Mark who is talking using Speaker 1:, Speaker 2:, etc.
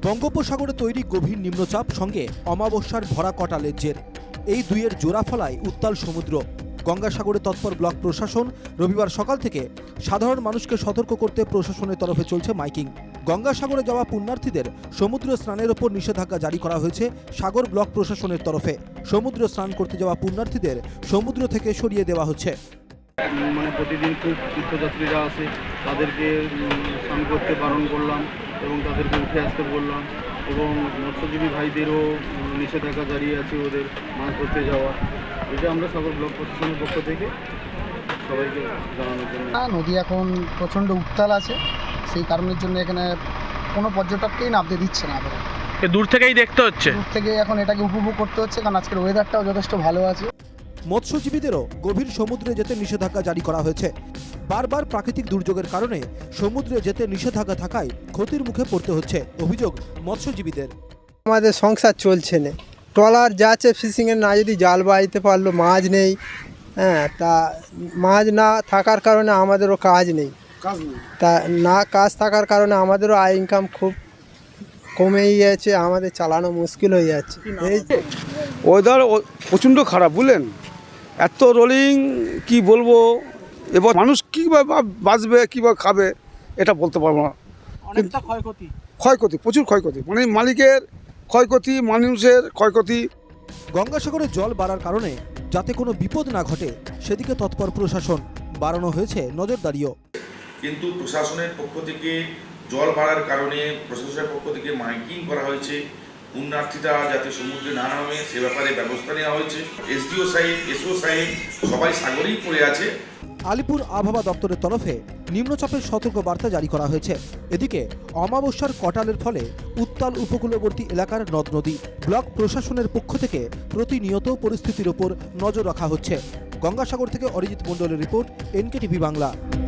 Speaker 1: বঙ্গোপসাগরে তৈরি গভীর নিম্নচাপ সঙ্গে অমাবস্যার ভরা কটালের জের, এই দুইয়ের জোড়া ফলায় উত্তাল সমুদ্র। গঙ্গাসাগরে তৎপর ব্লক প্রশাসন। রবিবার সকাল থেকে সাধারণ মানুষকে সতর্ক করতে প্রশাসনের তরফে চলছে মাইকিং। গঙ্গাসাগরে যাওয়া পুণ্যার্থীদের সমুদ্র স্নানের ওপর নিষেধাজ্ঞা জারি করা হয়েছে সাগর ব্লক প্রশাসনের তরফে। সমুদ্র স্নান করতে যাওয়া পুণ্যার্থীদের সমুদ্র থেকে সরিয়ে দেওয়া হচ্ছে।
Speaker 2: প্রতিদিন খুব তীর্থযাত্রীরা আসে, তাদেরকে স্নান করতে বারণ করলাম এবং তাদেরকে উঠে আসতে বললাম, এবং মৎস্যজীবী ভাইদেরও নিষেধাজ্ঞা জারি আছে ওদের মাছ ধরতে যাওয়া। এটা আমরা সাগর ব্লক প্রশাসনের পক্ষ থেকে সবাইকে জানানোর জন্য।
Speaker 3: নদী এখন প্রচণ্ড উত্তাল আছে, সেই কারণের জন্য এখানে কোনো পর্যটককেই নামতে দিচ্ছে না।
Speaker 4: দূর থেকেই দেখতে হচ্ছে,
Speaker 3: দূর থেকে এখন এটাকে উপভোগ করতে হচ্ছে, কারণ আজকের ওয়েদারটাও যথেষ্ট ভালো আছে।
Speaker 1: মৎস্যজীবীদেরও গভীর সমুদ্রে যেতে নিষেধাজ্ঞা জারি করা হয়েছে। বারবার প্রাকৃতিক দুর্যোগের কারণে সমুদ্রে যেতে নিষেধাজ্ঞা থাকায় ক্ষতির মুখে পড়তে হচ্ছে, অভিযোগ মৎস্যজীবীদের।
Speaker 5: আমাদের সংসার চলছে না, ট্রলার যাচ্ছে ফিশিংয়ের, না যদি জাল বাইতে পারলো, মাছ নেই। তা মাছ না থাকার কারণে আমাদেরও কাজ নেই, তা না কাজ থাকার কারণে আমাদেরও আয় ইনকাম খুব কমেই যাচ্ছে, আমাদের চালানো মুশকিল হয়ে যাচ্ছে। এই
Speaker 6: ওয়েদার প্রচণ্ড খারাপ, বুঝলেন, এত রোলিং কি বলবো, এবার মানুষ কীভাবে বাঁচবে কীভাবে খাবে এটা বলতে পারবো না।
Speaker 4: অনেকটা
Speaker 6: ক্ষয়ক্ষতি, প্রচুর ক্ষয়ক্ষতি, মানে মালিকের ক্ষয়ক্ষতি, মানুষের ক্ষয়ক্ষতি।
Speaker 1: গঙ্গাসাগরে জল বাড়ার কারণে যাতে কোনো বিপদ না ঘটে সেদিকে তৎপর প্রশাসন। বাড়ানো হয়েছে নজরদারিও।
Speaker 7: কিন্তু প্রশাসনের পক্ষ থেকে জল বাড়ার কারণে প্রশাসনের পক্ষ থেকে মাইকিং করা হয়েছে, পুণ্যার্থীরা যাতে সমুদ্রে না নামে সে ব্যাপারে ব্যবস্থা নেওয়া হয়েছে। এসডিও সাহেব, এসও সাহেব সবাই সাগরেই পড়ে আছে।
Speaker 1: আলিপুর আবহাওয়া দপ্তরের তরফে নিম্নচাপের সতর্ক বার্তা জারি করা হয়েছে। এদিকে অমাবস্যার কটালের ফলে উত্তাল উপকূলবর্তী এলাকার নদ নদী। ব্লক প্রশাসনের পক্ষ থেকে প্রতিনিয়ত পরিস্থিতির ওপর নজর রাখা হচ্ছে। গঙ্গাসাগর থেকে অরিজিৎ মণ্ডলের রিপোর্ট, NKTV বাংলা।